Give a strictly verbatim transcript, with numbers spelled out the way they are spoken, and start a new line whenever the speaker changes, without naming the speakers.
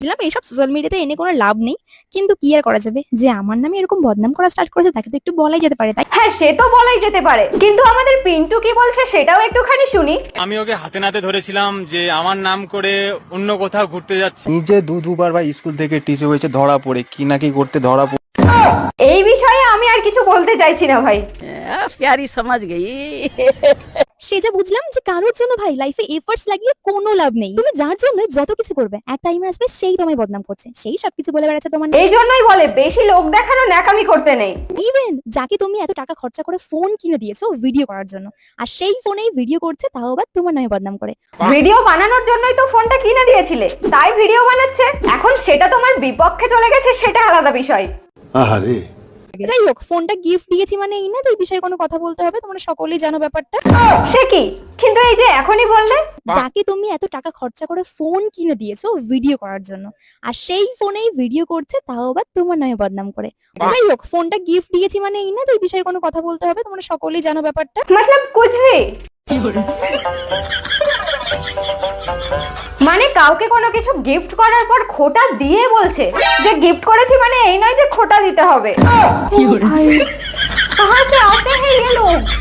দিলাম এইসব সোশ্যাল মিডিয়াতে এনে কোনো লাভ নেই, কিন্তু কি আর করা যাবে, যে আমার নামে এরকম বদনাম করা স্টার্ট করেছে তাকে তো একটু বলাই যেতে পারে, তাই?
হ্যাঁ, সে তো বলাই যেতে পারে, কিন্তু আমাদের পিন্টু কি বলছে সেটাও একটুখানি শুনি।
আমি ওকে হাতে নাতে ধরেছিলাম যে আমার নাম করে অন্য কোথাও ঘুরতে যাচ্ছে।
নিজে দু দুবার ভাই স্কুল থেকে টিচে হয়েছে ধরা পড়ে, কি না কি করতে ধরা পড়ে।
এই বিষয়ে আমি আর কিছু বলতে চাইছি না ভাই।
प्यारी समझ गई।
সে যা বুঝলাম যে কারোর জন্য ভাই লাইফে এফর্টস লাগিয়ে কোনো লাভ নেই। তুমি যার জন্য যত কিছু করবে এক টাইমে আসবে সেই তোমায় বদনাম করছে, সেই সবকিছু বলে বেড়াচ্ছে তোমার।
এই জন্যই বলে বেশি লোক দেখানো ন্যাকামি করতে নেই।
ইভেন যাকে তুমি এত টাকা খরচা করে ফোন কিনে দিয়েছো ভিডিও করার জন্য, আর সেই ফোনেই ভিডিও করছে, তাও আবার তোমার নামে বদনাম করে।
ভিডিও বানানোর জন্যই তো ফোনটা কিনে দিয়েছিলে, তাই ভিডিও বানাচ্ছে। এখন সেটা তোমার বিপক্ষে চলে গেছে, সেটা আলাদা বিষয়।
আহারে,
যাই হোক, ফোনটা গিফট দিয়েছি মানে এই না যে এই বিষয়ে কোনো কথা বলতে হবে, তোমরা সকলেই জানো ব্যাপারটা।
সে কি, কিন্তু এই যে এখনই বললে।
যাকে তুমি এত টাকা খরচা করে ফোন কিনে দিয়েছো ভিডিও করার জন্য, আর সেই ফোনেই ভিডিও করছে, তাও আবার তোমার নামে বদনাম করে। যাই হোক, ফোনটা গিফট দিয়েছি মানে এই না যে এই বিষয়ে কোনো কথা বলতে হবে, তোমরা সকলেই জানো ব্যাপারটা।
মতলব কুছ ভি, মানে কাউকে কোনো কিছু গিফট করার পর খোটা দিয়ে বলছে যে গিফট করেছি, মানে এই নয় যে খোটা দিতে হবে। ভাই, কাহা সে আতে হ্যায় ইয়ে লোগ।